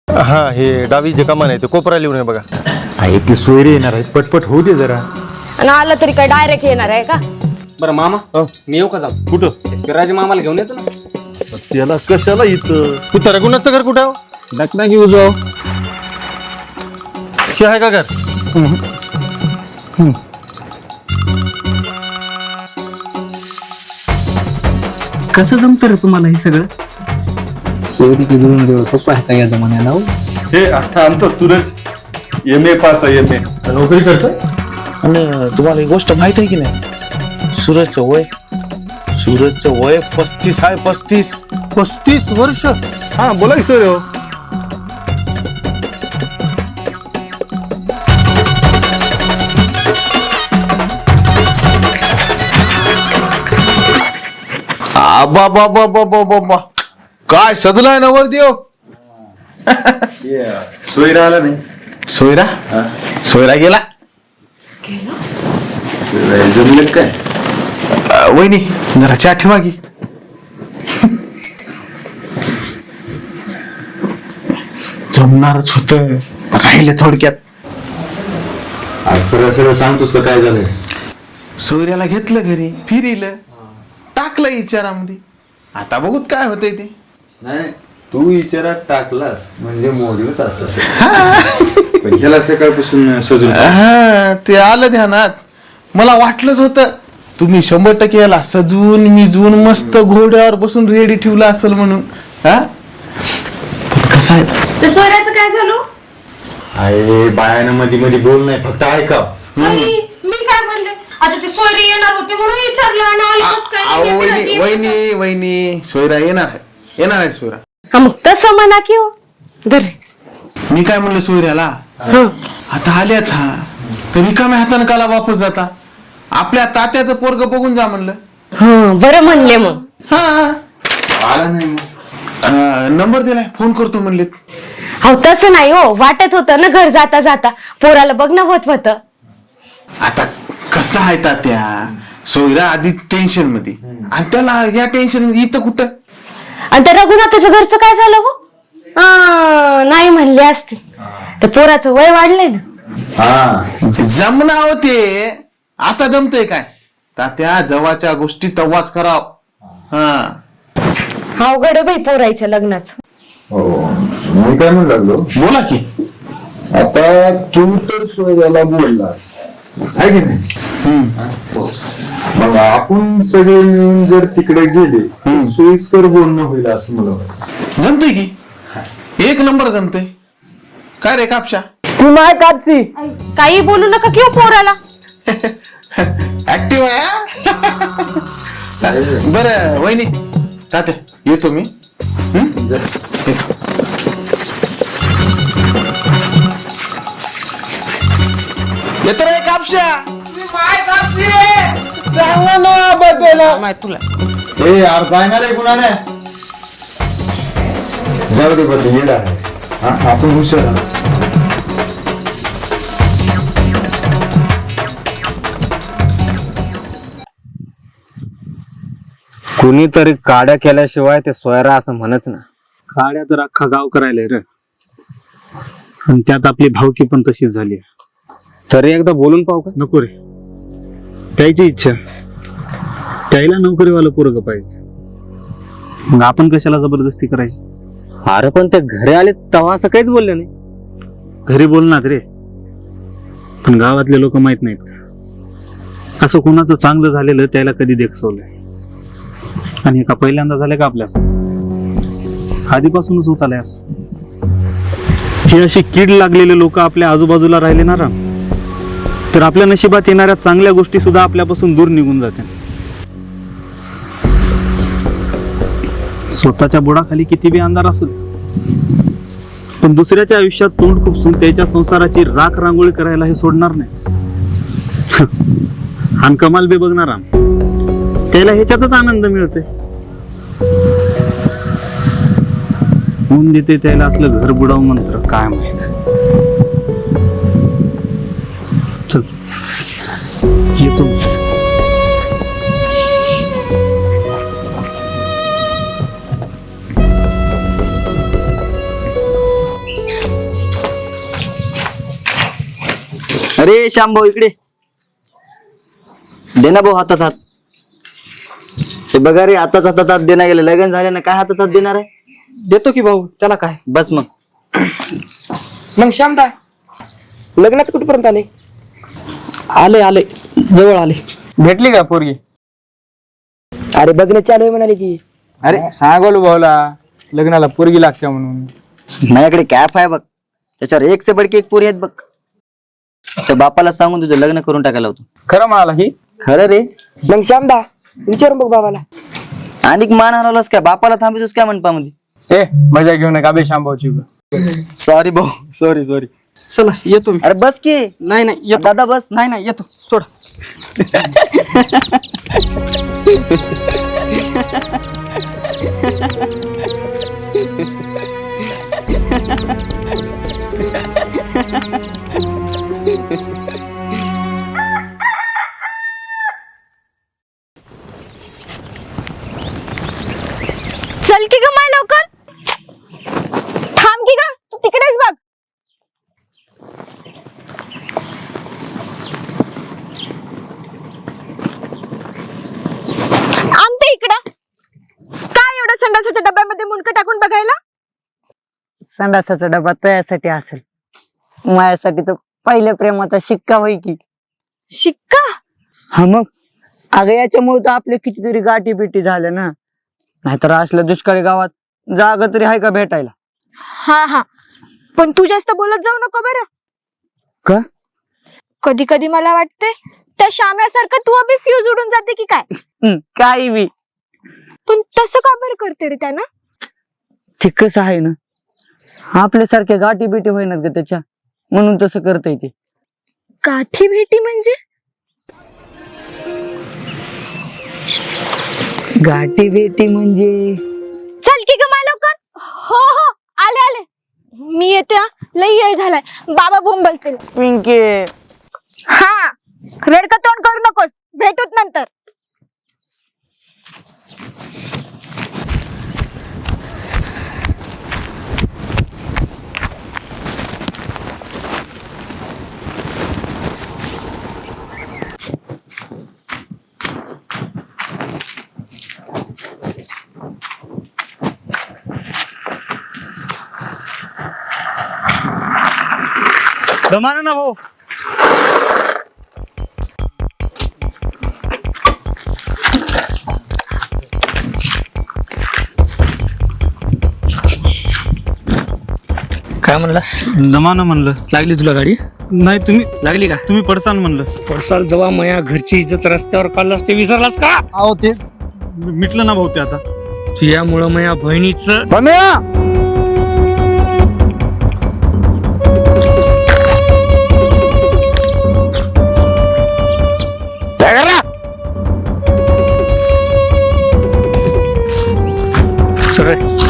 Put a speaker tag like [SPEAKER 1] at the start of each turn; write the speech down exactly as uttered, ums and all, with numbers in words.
[SPEAKER 1] हा हे डावी जे कमान आहे ते कोपरा लिहून आहे बघा.
[SPEAKER 2] आहे ती सोयरे येणार आहे, पटपट होऊ दे जरा.
[SPEAKER 3] आणि आलं तरी काय डायरेक्ट येणार आहे का?
[SPEAKER 4] बरं मामा मी येऊ का जाऊ?
[SPEAKER 2] कुठं?
[SPEAKER 4] विराज मामाला घेऊन येतो ना.
[SPEAKER 2] त्याला कशाला इथं?
[SPEAKER 1] कुठं रघुनाथचं घर कुठं आहे?
[SPEAKER 2] नक ना घेऊ जाऊ.
[SPEAKER 1] हे आहे का घर?
[SPEAKER 4] कसं जमतं रे तुम्हाला हे सगळं? सोयरी की जुळून देऊ सोपं आहे का या जमान्याला?
[SPEAKER 2] हे आमचा सूरज एम ए पास आहे, एम ए
[SPEAKER 1] नोकरी करतो.
[SPEAKER 5] आणि तुम्हाला एक गोष्ट माहित आहे की नाही? सूरजचं वय सूरजचं वय पस्तीस आहे. पस्तीस
[SPEAKER 1] पस्तीस वर्ष.
[SPEAKER 2] हा बोला की सोयरे हो.
[SPEAKER 5] आबा बाबा बाबा बाबा काय सजलाय ना वर देव.
[SPEAKER 2] सोयरा आला नाही.
[SPEAKER 5] सोयरा सोयरा गेला.
[SPEAKER 2] जमले काय?
[SPEAKER 5] अ, वहिनी जरा चहा ठेवा की. जमणारच होत, राहिले थोडक्यात.
[SPEAKER 2] सरळ सरळ सांगतोस का काय झालंय?
[SPEAKER 5] सोयऱ्याला घेतलं घरी, फिरिलं, टाकलं विचारामध्ये. आता बघूत काय होतंय ते.
[SPEAKER 2] नाही तू विचारात टाकलास म्हणजे मोडलंच असं. पण त्याला सकाळपासून सजून
[SPEAKER 5] हा ते आलं ध्यानात. मला वाटलंच होतं तुम्ही शंभर टक्के याला सजवून मिजवून मस्त घोड्यावर बसून रेडी ठेवला असेल म्हणून. हा पण कसं आहे,
[SPEAKER 3] ते सोयऱ्याचं काय झालं?
[SPEAKER 2] आहे बायानं मध्ये मध्ये बोल नाही, फक्त ऐका.
[SPEAKER 3] मी काय म्हणले? आता ते सोयरे येणार होते म्हणून विचारलं आणि आले कसं काय?
[SPEAKER 5] अहो वहिनी वहिनी वहिनी सोयरा येणार आहे, येणार आहे सोयरा.
[SPEAKER 3] हा मग तसं म्हणा की हो. धर.
[SPEAKER 5] मी काय म्हणलं सोयऱ्याला, आता आल्याच हा तर रिकाम्या हाताने काला वापस जाता. आपल्या तात्याचं पोरग बघून जा म्हणलं.
[SPEAKER 3] हा बरं म्हणले मग.
[SPEAKER 5] हा
[SPEAKER 2] आला नाही मग.
[SPEAKER 5] अं, नंबर दिलाय, फोन करतो म्हणले.
[SPEAKER 3] हो तसं नाही हो, वाटत होतं ना घर जाता जाता पोराला बघणं होत होत.
[SPEAKER 5] आता कसं आहे तात्या, सोयरा आधी टेन्शन मध्ये आणि त्याला या टेन्शन इथं कुठं.
[SPEAKER 3] आणि त्या रघुनाथाच्या घरचं काय झालं हो? आ, नाही म्हणले असते. तर पोराचं वय वाढलंय ना.
[SPEAKER 2] हा
[SPEAKER 5] जमना होते, आता जमतय काय तात्या? जवळच्या गोष्टी तव्हाच कराव. हा
[SPEAKER 3] अवघड बाई पोरायच्या लग्नाचं.
[SPEAKER 2] हो मी काय म्हणू लागलो,
[SPEAKER 5] बोला की.
[SPEAKER 2] आता तू तर सोयऱ्याला बोललास आहे की नाही? मग आपण सगळे मिळून जर तिकडे गेले सोयीस्कर बोलणं होईल असं मला वाटतं.
[SPEAKER 5] जमतय की, एक नंबर जमतय. काय रे कापशा?
[SPEAKER 4] तू नाही कापची.
[SPEAKER 3] काही बोलू नका किंवा पोराला.
[SPEAKER 5] ऍक्टिव्ह आहे. बरं वहिनी तात्या येतो मी. हं? येतो. येतो रे कापशा. तुला
[SPEAKER 2] ए यार जाणार आहे कुणाने? जाऊ दे बघ येडा आहे. हा, आपण हुशार आहोत.
[SPEAKER 4] कुणीतरी काड्या केल्याशिवाय ते सोयरा असं म्हणच ना.
[SPEAKER 6] काड्या तर अख्खा गाव करायला रे, आणि त्यात आपली भावकी पण तशीच झाली.
[SPEAKER 4] तरी एकदा बोलून पाहू का?
[SPEAKER 6] नको रे, त्याची इच्छा, त्याला नोकरीवाला पोरग पाहिजे. मग आपण कशाला जबरदस्ती करायची?
[SPEAKER 4] अरे पण ते घरी आले तेव्हा असं काहीच बोलले नाही.
[SPEAKER 6] घरी बोलणार रे, पण गावातले लोक माहित नाहीत का असं कोणाचं चांगलं झालेलं त्याला कधी देखसवलंय. आणि का पहिल्यांदा झालं का आपल्यास? आधीपासूनच होत आल्यास. ही अशी कीड लागलेले लोक आपल्या आजूबाजूला राहिले ना राम, तर आपल्या नशिबात येणाऱ्या चांगल्या गोष्टी सुद्धा आपल्यापासून दूर निघून जाते. स्वतःच्या बुडाखाली किती बी अंधार असू दे, पण दुसऱ्याच्या आयुष्यात तोंड खुपसून त्याच्या संसाराची राख रांगोळी करायला हे सोडणार नाही. आणि कमाल बे बघणार राम, त्याला ह्याच्यातच आनंद मिळते. होऊन देते त्याला असलं घर बुडाव मंत्र काय माहित. चल येतो.
[SPEAKER 7] अरे श्याम भाऊ इकडे दे ना भाऊ हातात हात. हे बघा रे हातात हातात हात देणार गेले. लग्न झाले ना काय हातात हात देणार आहे.
[SPEAKER 4] देतो की भाऊ त्याला काय.
[SPEAKER 7] बस मग.
[SPEAKER 4] मग श्यामदा लग्नाचं कुठपर्यंत आले. आले आले जवळ आले.
[SPEAKER 8] भेटली का पोरगी?
[SPEAKER 4] अरे बघणे चालू आहे म्हणाले की.
[SPEAKER 8] अरे सांगोलो भाऊला लग्नाला पोरगी लागते म्हणून.
[SPEAKER 7] माझ्याकडे कॅप आहे बघ, त्याच्यावर एक से बडकी एक पोरी आहेत बघ. त्या बापाला सांगून तुझं लग्न करून टाकायला होतो.
[SPEAKER 8] खरं म्हणाला की?
[SPEAKER 7] खरं रे.
[SPEAKER 4] मग श्यामदा विचारून बघ बाबाला.
[SPEAKER 7] आणि मान हलवलास काय बापाला थांबितोस काय म्हणपा मध्ये.
[SPEAKER 8] ए मजा घेऊ नका बे शांभाऊची.
[SPEAKER 7] सॉरी भाऊ सॉरी सॉरी.
[SPEAKER 4] चला येतो मी.
[SPEAKER 7] अरे बस की.
[SPEAKER 4] नाही नाही येतो.
[SPEAKER 7] दादा बस.
[SPEAKER 4] नाही नाही येतो सोड.
[SPEAKER 3] चल की ग माय लवकर. थांब की ग तू तिकडेच बघ. आणते इकडं. काय एवढं संडासाच्या डब्यामध्ये मुंडकं टाकून बघायला.
[SPEAKER 9] संडासाचा डबा तुझ्यासाठी असेल, माझ्यासाठी तर पहिल्या प्रेमाचा शिक्का होई की.
[SPEAKER 3] शिक्का.
[SPEAKER 9] हा मग अगं याच्यामुळे तर आपले कितीतरी गाठी बिटी झाल्या ना. नाहीतर असल्या दुष्काळी गावात जागा तरी आहे का भेटायला.
[SPEAKER 3] हा हा पण तू जास्त बोलत जाऊ नको बरं.
[SPEAKER 9] का?
[SPEAKER 3] कधी कधी मला वाटते त्या शाम्यासारखं तू अभि फ्यूज उडून जाते की काय.
[SPEAKER 9] हं, काही बी.
[SPEAKER 3] पण तसं का बरं करते रे त्यानं.
[SPEAKER 9] ते कसं आहे ना, आपल्यासारख्या गाठी बिटी होईनात ग त्याच्या, म्हणून तसं करता येते.
[SPEAKER 3] गाठी भेटी म्हणजे.
[SPEAKER 9] गाठी बिटी म्हणजे
[SPEAKER 3] चल की ग मला लवकर. हो हो आले आले मी येते हा. लई वेळ झालाय बाबा बोंबलतील.
[SPEAKER 9] पिंके.
[SPEAKER 3] हा रडका तोंड करू नकोस, भेटूत नंतर.
[SPEAKER 6] दमाना ना भाऊ.
[SPEAKER 4] काय म्हणलास.
[SPEAKER 6] दमाना म्हणलं.
[SPEAKER 4] लागली तुला गाडी.
[SPEAKER 6] नाही तुम्ही
[SPEAKER 4] लागली का.
[SPEAKER 6] तुम्ही पडसान म्हणलं.
[SPEAKER 4] पडसाल जेव्हा मया घरची इज्जत रस्त्यावर काढलास ते विसरलास का.
[SPEAKER 6] अहो ते मिटलं ना भाऊ ते आता.
[SPEAKER 4] तुझ्यामुळं मया बहिणीचं. सरळ